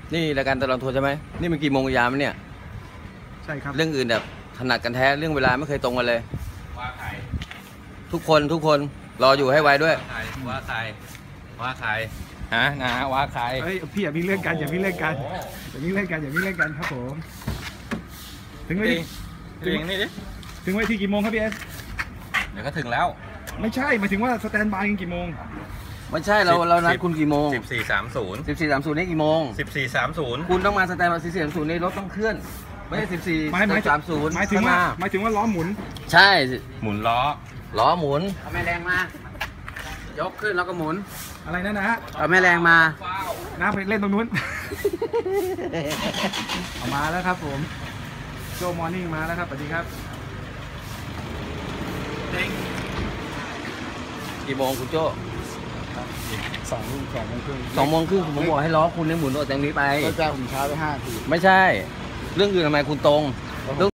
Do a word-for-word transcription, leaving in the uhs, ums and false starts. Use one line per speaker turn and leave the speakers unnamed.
นี่รายการตลอดทัวร์ใช่ไหมนี่มันกี่โมงยามเนี่ย
ใช่ครับ
เรื่องอื่นแบบถนัดกันแท้เรื่องเวลาไม่เคยตรงกันเลย
ว่าใคร
ทุกคนทุกคนรออยู่ให้ไวด้วย
ว่าใครว่าใครฮะนะว่าใคร
เฮ้ยพี่อย่าวิ่งเล่นกันอย่าวิ่งเล่นกันอย่าวิ่งเล่นกันอย่าวิ่งเล่นกันครับผมถึงไว้
ถึงนี่ดิ
ถึงไว้ที่กี่โมงครับพี่เอส
เดี๋ยวก็ถึงแล้ว
ไม่ใช่หมายถึงว่าสแตนบายกันกี่โมง
ไม่ใช่เราเรานัดคุณกี่โมง
สิบสี่สามศูนย์
สิบสี่สามศูนย์นี่กี่โมง
สิบสี่สามศูนย์
คุณต้องมาสแตนบายสิบสี่สามศูนย์ในรถต้องเคลื่อนไม่ใช่สิบสี่สามศูนย์
หมายถึงว่าหมายถึงว่าล้อหมุน
ใช่
หมุนล้อ
ล้อหมุน
เอาแม่แรงมายกขึ้นแล้วก็หมุน
อะไรนั่นนะฮะ
เอาแม่แรงมา
น้าไปเล่นตรงนู้นเอามาแล้วครับผมโจมอร์นิ่งมาแล้วครับสวัสดีครับ
กี่โมงคุณโจ้
สองสองโมงครึ่ง
สองโมงครึ่งผมบอกให้ล้อคุณเนี่ยหมุนออกจากนี้ไป
ก็จะผมช้าไปห้าที
ไม่ใช่เรื่องอื่นทำไมคุณตรง